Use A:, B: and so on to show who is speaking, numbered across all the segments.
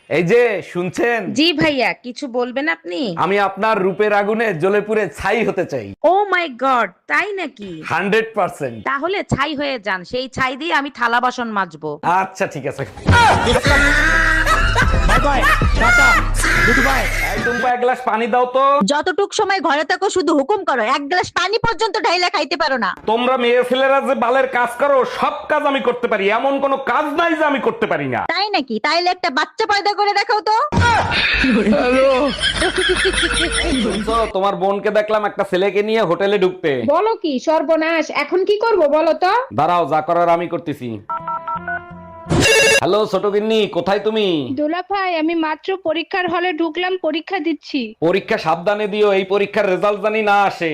A: এই যে শুনছেন,
B: জি ভাইয়া, কিছু বলবেন আপনি?
A: আমি আপনার রূপের আগুনে জ্বলে পুড়ে ছাই হতে চাই।
B: ও মাই গড, তাই নাকি?
A: 100%।
B: তাহলে ছাই হয়ে যান, সেই ছাই দিয়ে আমি থালা বাসন মাজবো।
A: আচ্ছা ঠিক আছে।
C: Bye bye, tata, good bye.
A: এই টুম্পা, এক গ্লাস পানি দাও তো।
D: যতটুক সময় ঘরে থাকো শুধু হুকুম করো, এক গ্লাস পানি পর্যন্ত ঢাইলা খাইতে পারো না।
A: তোমরা মেয়ে ছেলেরা যে বালের কাজ করো, সব কাজ আমি করতে পারি, এমন কোনো কাজ নাই যে আমি করতে পারি না।
D: তাই নাকি? তাইলে একটা বাচ্চা পয়দা করে দেখাও তো।
A: শুনছো, তোমার বোনকে দেখলাম একটা ছেলেকে নিয়ে হোটেলে ঢুকতে।
E: বলো কি সর্বনাশ, এখন কি করব বলো তো?
A: দাঁড়াও, যা করার আমি করতেছি। হ্যালো ছোট গিন্নি, কোথায় তুমি?
E: দুলা ভাই, আমি মাত্র পরীক্ষার হলে ঢুকলাম, পরীক্ষা দিচ্ছি।
A: পরীক্ষা সাবধানে দিও, এই পরীক্ষার রেজাল্ট জানি না আসে।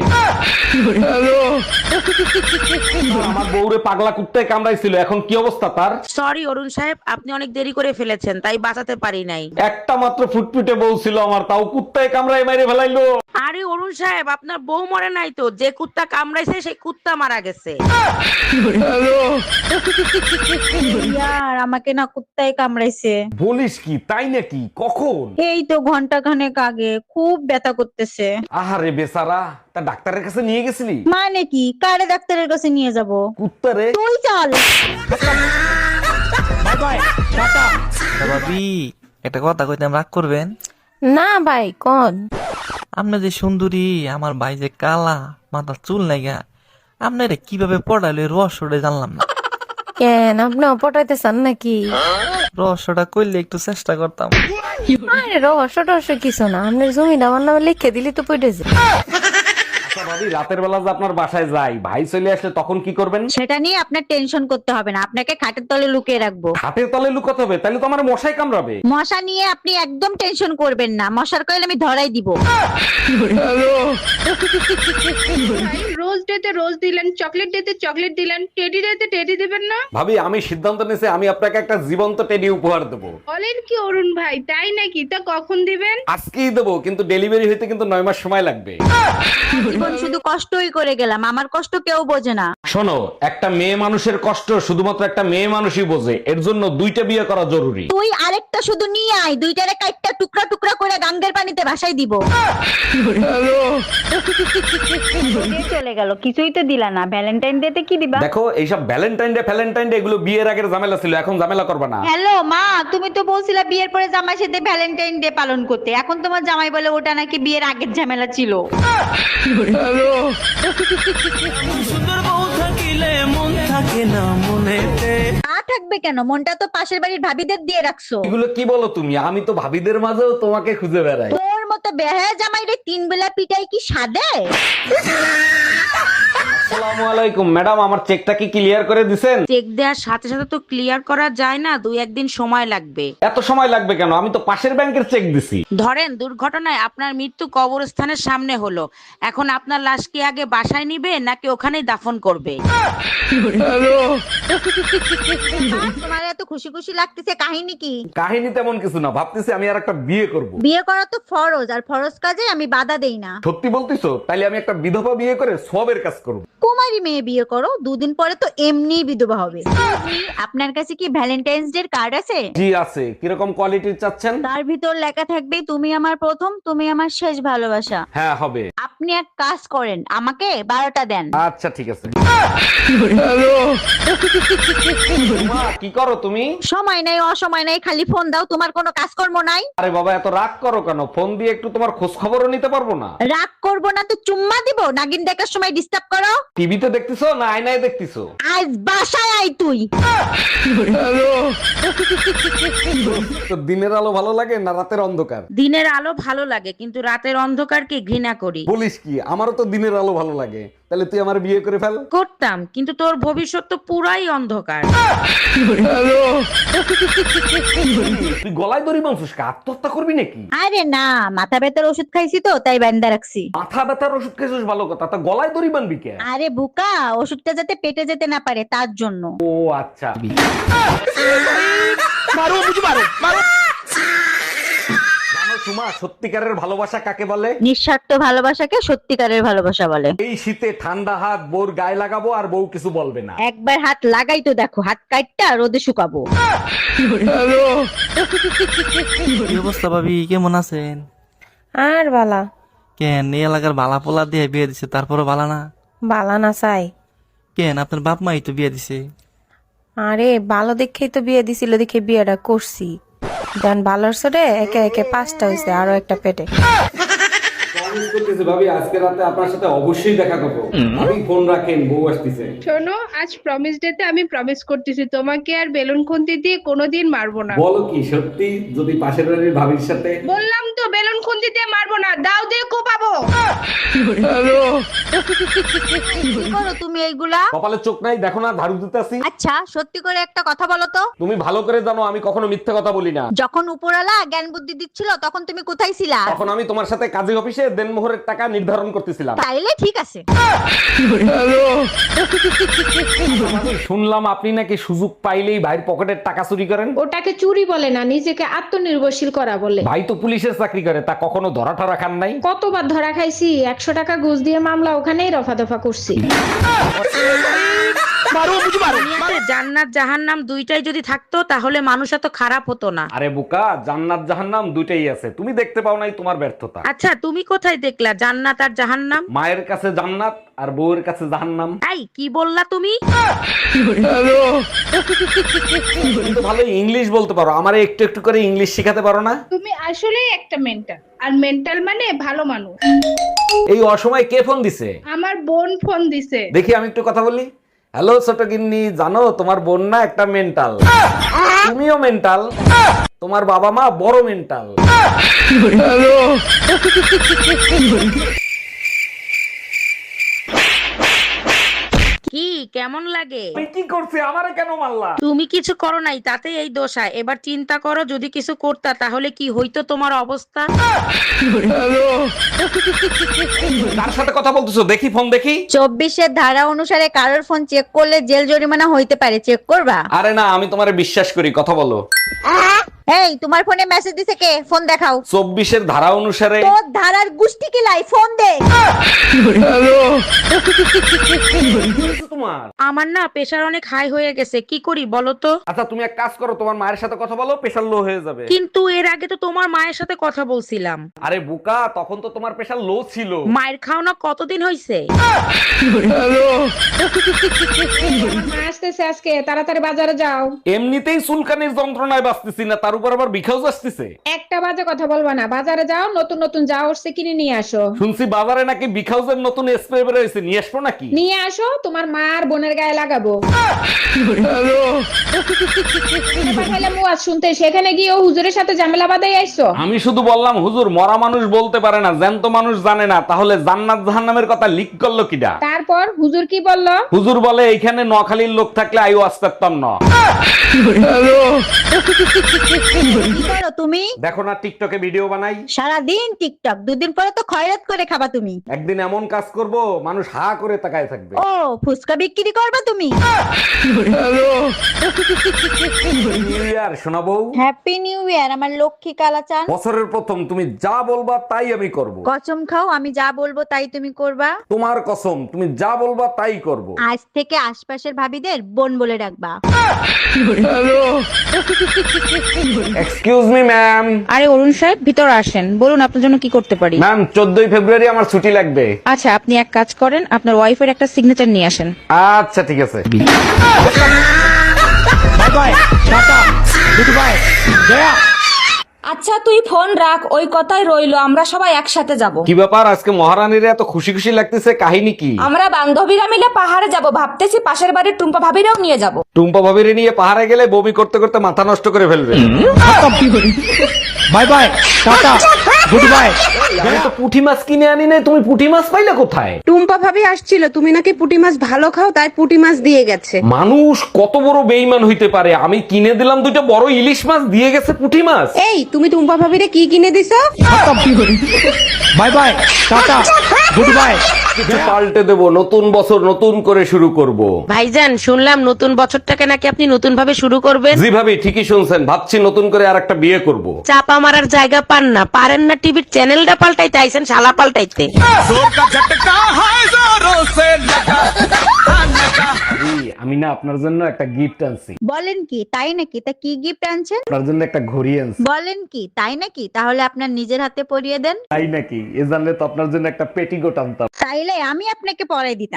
A: আমার বউরে পাগলা কুত্তায় কামড়াইছিল, এখন কি অবস্থা তার?
B: সরি অরুণ সাহেব, আপনি অনেক দেরি করে ফেলেছেন, তাই বাঁচাতে পারি নাই।
A: একটা মাত্র ফুটফুটে বউ ছিল আমার, তাও কুত্তায় কামড়ায় মেরে ফেলাইলো।
B: আরে অরুণ সাহেব, আপনার বউ মরে নাই তো, যে কুত্তা কামড়াইছে সেই কুত্তা মারা গেছে।
D: ইয়ার, আমাকে না কুত্তায় কামড়াইছে।
A: বলিস কি, তাই নাকি? কখন?
D: এই তো ঘন্টা খানেক আগে, খুব ব্যথা করতেছে।
A: আহারে বেচারা, তা ডাক্তারের কাছে নিয়ে গেছিলি?
D: মানে কি, কারে ডাক্তারের কাছে নিয়ে যাব?
A: কুত্তারে।
D: তুই চল।
C: Bye bye, tata.
F: ভাবি, একটা কথা কইতাম, রাগ করবেন?
G: না ভাই কোন?
F: আপনি যে সুন্দরী, আমার ভাই যে কালা, মাথার চুল নাইগা, আপনারে কিভাবে পড়াইলো এই রহস্যটা জানলাম না।
G: কেন, আপনি পটাইতে চান নাকি?
F: রহস্যটা করলে একটু চেষ্টা করতাম।
G: আরে রহস্য টহস্য কিছু না, আপনার জমিটা আমার নামে লিখে দিলি তো পড়েছে।
A: আচ্ছা ভাবি, রাতের বেলা যে আপনার বাসায় যাই, ভাই চলে আসলে তখন কি করবেন?
D: সেটা নিয়ে আপনার টেনশন করতে হবে না, আপনাকে খাটের তলে লুকিয়ে রাখবো।
A: হাতের তলে লুকাতে হবে? তাহলে তো আমার মশাই কামড়াবে।
D: মশা নিয়ে আপনি একদম টেনশন করবেন না, মশার কয়েল আমি ধরাই দিব।
E: রোজ ডেতে রোজ দিলেন, চকলেট ডেতে চকলেট দিলেন, টেডি ডেতে টেডি দিবেন না?
A: ভাবি, আমি সিদ্ধান্ত নিয়েছি, আমি আপনাকে একটা জীবন্ত টেডি উপহার দেবো।
E: বলেন কি অরুণ ভাই, তাই নাকি? তা কখন দিবেন?
A: আজকেই দেবো, কিন্তু ডেলিভারি হইতে কিন্তু 9 মাস সময় লাগবে।
D: জীবন শুধু কষ্টই করে গেলাম, আমার কষ্ট কেউ বোঝে না।
A: শোনো, একটা মেয়ে মানুষের কষ্ট শুধুমাত্র একটা মেয়ে মানুষই বোঝে, এর জন্য 2টা বিয়ে করা জরুরি।
D: তুই আরেকটা শুধু নিয়ে আয়, দুইটারে কাইটটা টুকরা টুকরা করে গাঙ্গের পানিতে ভাসাই দিব। চলে গেল, কিছুই তো দিলা না। ভ্যালেন্টাইন ডে তে কি দিবা?
A: দেখো, এইসব ভ্যালেন্টাইন ডে এগুলো বিয়ের আগের ঝামেলা ছিল, এখন ঝামেলা করবে না।
D: হ্যালো মা, তুমি তো বলছিলা বিয়ের পরে জামাই সাথে ভ্যালেন্টাইন ডে পালন করতে, এখন তোমার জামাই বলে ওটা নাকি বিয়ের আগের ঝামেলা ছিল।
F: সুন্দর বউ থাকিলে মন থাকে না মনেতে।
D: না থাকবে কেন, মনটা তো পাশের বাড়ির ভাবিদের দিয়ে রাখছো।
A: এগুলো কি বলো তুমি? আমি তো ভাবিদের মাঝেও তোমাকে খুঁজে বেড়াই।
D: তোর মতো বেহায়া জামাই রে 3 বেলা পিটাই কি সাদে?
A: আসসালামু আলাইকুম ম্যাডাম, আমার চেকটা কি ক্লিয়ার করে দিছেন?
B: চেক দেওয়ার সাথে সাথে তো ক্লিয়ার করা যায় না, 2-1 দিন সময় লাগবে।
A: এত সময় লাগবে কেন? আমি তো পাশের ব্যাংকের চেক দিছি।
B: ধরেন দুর্ঘটনায় আপনার মৃত্যু কবরস্থানের সামনে হলো, এখন আপনার লাশ কি আগে বাসায় নিবে নাকি ওখানেই দাফন করবে?
D: তোমার এত খুশি খুশি লাগতেছে, কাহিনী কি?
A: কাহিনী তেমন কিছু না, ভাবতেছি আমি আর একটা বিয়ে করব।
D: বিয়ে করা তো ফরজ, আর ফরজ কাজে আমি বাধা দেই না।
A: সত্যি বলতিছো? তাইলে আমি একটা বিধবা বিয়ে করে সবের কাজ করব।
D: কুমারী মেয়ে বিয়ে করো, 2 দিন পরে তো এমনি বিধবা হবে। আপনার কাছে কি ভ্যালেন্টাইন্স ডে কার্ড আছে?
A: জি আছে। কিরকম কোয়ালিটির চাচ্ছেন?
D: তার ভিতর লেখা থাকবে তুমি আমার প্রথম, তুমি আমার শেষ ভালোবাসা।
A: হ্যাঁ হবে।
D: আপনি এক কাজ করেন, আমাকে 12টা দেন।
A: আচ্ছা ঠিক আছে। মা, কি করো তুমি?
D: সময় নাই অসময় নাই, খালি ফোন দাও, তোমার কোনো কাজকর্ম নাই?
A: আরে বাবা, এত রাগ করো কেন? ফোন দিয়ে একটু তোমার খোঁজ খবরও নিতে পারবো না?
D: রাগ করবো না তো চুম্মা দিব? নাগিন দেখার সময় ডিস্টার্ব করো।
A: টিভিতে দেখতেছো না আয়নায় দেখতেছো?
D: আজ বাসায় আই তুই।
A: তো দিনের আলো ভালো লাগে না রাতের অন্ধকার?
B: দিনের আলো ভালো লাগে, কিন্তু রাতের অন্ধকারকে ঘৃণা করি।
A: বলিস কি? আমারও তো দিনের আলো ভালো লাগে। তাহলে তুই আমার বিয়ে করে ফেল।
B: করতাম, কিন্তু তোর ভবিষ্যৎ তো পুরাই অন্ধকার।
A: তুই গলায় দড়ি বাঁধছিস, আত্মহত্যা করবি নাকি?
D: আরে না, মাথা ব্যথার ওষুধ খাইছি তো তাই বান্দা রাখছি।
A: মাথা ব্যথার ওষুধ খেয়েছিস ভালো কথা, তা গলায় দড়ি বাঁধবি কেন?
D: আরে বুকা, ওষুধটা যাতে পেটে যেতে না পারে তার জন্য।
A: ও আচ্ছা। জানো তোমা, সত্যিকারের ভালোবাসা কাকে বলে?
D: নিঃস্বার্থ ভালোবাসাকে সত্যিকারের ভালোবাসা বলে।
A: এই শীতে ঠান্ডা হাত বউর গায়ে লাগাবো আর বউ কিছু বলবে না।
D: একবার হাত লাগাই তো দেখো, হাত কাটটা রোদে শুকাবো।
F: কি অবস্থা ভাবি, কেমন আছেন?
G: আর বালা
F: কেন এই এলাকার বালা পোলা দিয়ে বিয়ে দিছে, তারপরে বালা না?
G: বালা না চাই।
F: কেন আপনার বাপ মাই তো বিয়ে দিছে।
G: আরে ভালো দেখেই তো বিয়ে দিছিল, দেখে বিয়েটা করছি। দেন ভালোর সরে একে একে 5টা হয়েছে, আরো একটা পেটে।
A: প্রমিস করতেছি ভাবি, আজকে রাতে আপনার সাথে অবশ্যই দেখা করবো। আমি ফোন রাখেন, বউ আসতেছে।
E: শোনো, আজ প্রমিস ডেতে আমি প্রমিস করতেছি তোমাকে আর বেলুন খুন্তি দিয়ে কোনোদিন মারবো না।
A: বলো কি সত্যি? যদি পাশের বাড়ির ভাবির সাথে।
E: বললাম তো বেলুন খুন্তি দিয়ে মারবো না, দাও দিয়ে কোপাবো।
D: কি করো তুমি এইগুলা?
A: কপালে চোখ নাই দেখো না, ঝাড়ু দিতেছি।
D: আচ্ছা সত্যি করে একটা কথা বলো তো,
A: তুমি ভালো করে জানো আমি কখনো মিথ্যা কথা বলি না।
D: যখন উপরালা জ্ঞান বুদ্ধি দিচ্ছিল তখন তুমি কোথায় ছিলা?
A: তখন আমি তোমার সাথে কাজী অফিসে দেনমোহরের টাকা নির্ধারণ করতেছিলাম।
D: তাইলে ঠিক আছে।
A: শুনলাম আপনি নাকি সুযোগ পাইলেই ভাইয়ের পকেটের টাকা চুরি করেন।
E: ওটাকে চুরি বলে না, নিজেকে আত্মনির্ভরশীল করা বলে।
A: ভাই তো পুলিশের চাকরি করে, তা কখনো ধরা ঠরা খান নাই?
E: কতবার ধরা খাইছি, 100 টাকা ঘুষ দিয়ে মামলা ওখানেই রফা দফা করছি।
B: দুনিয়াতে জান্নাত জাহান্নাম দুইটাই যদি থাকতো তাহলে মানুষ এত খারাপ হতো না।
A: আরে বোকা, জান্নাত জাহান্নাম দুইটাই আছে, তুমি দেখতে পাও নাই, তোমার ব্যর্থতা।
B: আচ্ছা তুমি কোথায় দেখলা জান্নাত আর জাহান্নাম?
A: মায়ের কাছে জান্নাত আর বউয়ের কাছে জাহান্নাম।
B: এই কি বললা তুমি?
A: তুমি তো ভালো ইংলিশ বলতে পারো, আমারে একটু একটু করে ইংলিশ শেখাতে পারো না?
E: তুমি আসলেই একটা মেন্টাল, আর মেন্টাল মানে ভালো মানুষ।
A: এই অসময়ে কে ফোন দিছে?
E: আমার বোন ফোন দিছে।
A: দেখি আমি একটু কথা বলি। হ্যালো ছোট গিন্নি, জানো তোমার বোন না একটা মেন্টাল, তুমিও মেন্টাল, তোমার বাবা মা বড় মেন্টাল।
B: কি কেমন লাগে?
A: আমি কি করছি, আমারে কেন মারলা?
B: তুমি কিছু করো নাই, তাতে এই দোষা। এবার চিন্তা করো যদি কিছু করতা তাহলে কি হইতো তোমার অবস্থা।
A: কার সাথে কথা বলতেছো? দেখি ফোন দেখি।
D: 24-এর ধারা অনুসারে কারোর ফোন চেক করলে জেল জরিমানা হইতে পারে, চেক করবা?
A: আরে না, আমি তোমারে বিশ্বাস করি, কথা বলো।
D: এই তোমার ফোনে মেসেজ দিছে কে? ফোন দেখাও।
A: 24-এর ধারা অনুসারে।
D: তোর ধারার গুষ্টি কি লাই, ফোন দে।
A: তোমার
B: আমার না প্রেশার অনেক হাই হয়ে গেছে, কি করি বলো তো?
A: আচ্ছা তুমি এক কাজ করো, তোমার মায়ের সাথে কথা বলো, প্রেশার লো হয়ে যাবে।
B: কিন্তু এর আগে তো তোমার মায়ের সাথে কথা বলছিলাম।
A: আরে বোকা, তখন তো তোমার প্রেশার লো ছিল।
B: মায়ের খাওনা কতদিন হইছে?
E: মা আসতেছে আজকে, তাড়াতাড়ি বাজারে যাও।
A: এমনিতেই চুলকানির যন্ত্রণায় বাঁচতেছি না, তার উপর আবার বিখাউজ আসতেছে।
E: একটা বাজে কথা বলবা না, বাজারে যাও, নতুন নতুন যা উঠছে কিনে নিয়ে আসো।
A: শুনছি বাজারে নাকি বিখাউজের নতুন স্প্রে বের হয়েছে, নিয়ে আসবো নাকি?
E: নিয়ে আসো, তোমার মা আর বোনের গায়ে লাগাবো। পাঠাইলাম ওয়াজ শুনতে, সেখানে গিয়ে ও হুজুরের সাথে ঝামেলা বাঁধাই আইছো।
A: আমি শুধু বললাম হুজুর, মরা মানুষ বলতে পারে না, জ্যান্ত মানুষ জানে না, তাহলে জান্নাত জাহান্নামের কথা লিক করলো কিডা?
E: তারপর হুজুর কি বললো?
A: হুজুর বলে এইখানে নোয়াখালীর লোক থাকলে আইও আসতাম না।
D: কি করো তুমি?
A: দেখো না টিকটকে ভিডিও বানাই।
D: সারাদিন টিকটক, দুদিন পরে তো খয়রাত করে খাবা তুমি।
A: একদিন এমন কাজ করব মানুষ হা করে তাকায় থাকবে।
D: ও ফুসকা বিক্রি করবা তুমি?
A: নিউ ইয়ার শোনাবো।
D: হ্যাপি নিউ ইয়ার আমার লক্ষ্মী কালাচান।
A: বছরের প্রথম, তুমি যা বলবা তাই আমি করব।
D: কসম খাও আমি যা বলবো তাই তুমি করবা?
A: তোমার কসম, তুমি যা বলবা তাই করব।
D: আজ থেকে আশপাশের ভাবিদের বোন বলে ডাকবা।
A: Excuse me ma'am.
B: আরে অরুণ সাহেব, ভিতরে আসেন, বলুন আপনার জন্য কি করতে পারি।
A: ম্যাম 14ই ফেব্রুয়ারি আমার ছুটি লাগবে।
B: আচ্ছা আপনি এক কাজ করেন, আপনার ওয়াইফের একটা সিগনেচার নিয়ে আসেন।
A: আচ্ছা ঠিক আছে।
C: Bye bye tata good bye गया।
H: আচ্ছা তুই ফোন রাখ, ওই কথাই রইলো, আমরা সবাই একসাথে যাব।
A: কি ব্যাপার, আজকে মহারানীর এত খুশি খুশি লাগতেছে, কাহিনী কি?
H: আমরা বান্ধবীরা মিলে পাহাড়ে যাব, ভাবতেছি পাশের বাড়ির টুম্পা ভাবিরাও নিয়ে যাব।
A: টুম্পা ভাবিরে নিয়ে পাহাড়ে গেলে বমি করতে করতে মাথা নষ্ট করে ফেলবে।
C: Bye bye tata good bye.
A: আমি তো পুঁটি মাছ কিনে আনি নাই, তুমি পুঁটি মাছ পাইলে কোথায়?
I: টুম্পা ভাবি আসছিল, তুমি নাকি পুঁটি মাছ ভালো খাও, তাই পুঁটি মাছ দিয়ে গেছে।
A: মানুষ কত বড় বেইমান হইতে পারে, আমি কিনে দিলাম দুইটা বড় ইলিশ মাছ, দিয়ে গেছে পুঁটি মাছ।
I: এই তুমি টুম্পা ভাবিরে কি কিনে দিছো?
C: Bye bye tata good bye
A: কিছু পাল্টে দেবো, নতুন বছর নতুন করে শুরু করব।
B: ভাইজান শুনলাম নতুন বছরটাকে নাকি আপনি নতুন ভাবে শুরু করবেন।
A: জি ভাবি, ঠিকই শুনছেন, ভাবছি নতুন করে আর একটা বিয়ে করব।
B: চাপা মারার জায়গা পান না, পারেন না টিভির চ্যানেলটা পাল্টাইতে আইছেন শালা পাল্টাইতে।
A: আমি না আপনার জন্য একটা গিফট আনছি।
D: বলেন কি তাই নাকি? তা কি গিফট আনছেন?
A: আপনার জন্য একটা ঘড়ি আনছি।
D: বলেন কি তাই নাকি? তাহলে আপনার নিজের হাতে পরিয়ে দেন।
A: তাই নাকি? এ জানলে তো আপনার জন্য একটা পেটিকোট আনতাম।
D: তাইলে আমি আপনাকে পরাই দিতাম।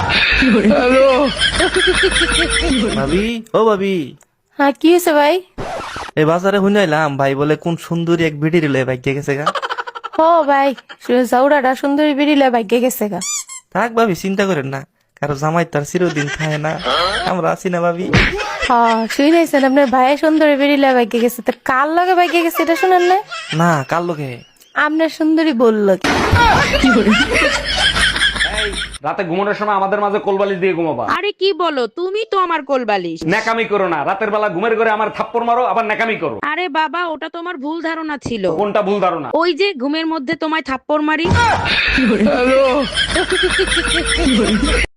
F: ভাবি, ও ভাবি,
G: হ্যাঁ কি হয়েছে ভাই?
F: এই বাজারে শুনাইলাম ভাই বলে কোন সুন্দরী এক ভিডি রিলে বাইক গেছে গা।
G: ও ভাই, জাউরাটা সুন্দরী বেরিলে ভাগ্যে গেছে গা।
F: থাক ভাবি, চিন্তা করেন না, কারো জামাই তার চিরদিন থাকে না, আমরা আছি না ভাবি।
G: হ্যাঁ শুনেছেন আপনার ভাই সুন্দরী বেরিলে ভাগ্যে গেছে, তো কার লগে ভাগ্যে গেছে এটা শুনেন না?
F: না, কার লোকে?
G: আপনার সুন্দরী বললো কি?
A: রাতে ঘুমানোর সময় আমাদের মাঝে কোলবালিশ দিয়ে ঘুমাবা।
B: আরে কি বলো, তুমি তো আমার কোলবালিশ।
A: ন্যাকামি করো না, রাতের বেলা ঘুমের ঘরে আমার থাপ্পড় মারো, আবার ন্যাকামি করো।
B: আরে বাবা, ওটা তোমার ভুল ধারণা ছিল।
A: কোনটা ভুল ধারণা?
B: ওই যে ঘুমের মধ্যে তোমায় থাপ্পড় মারি।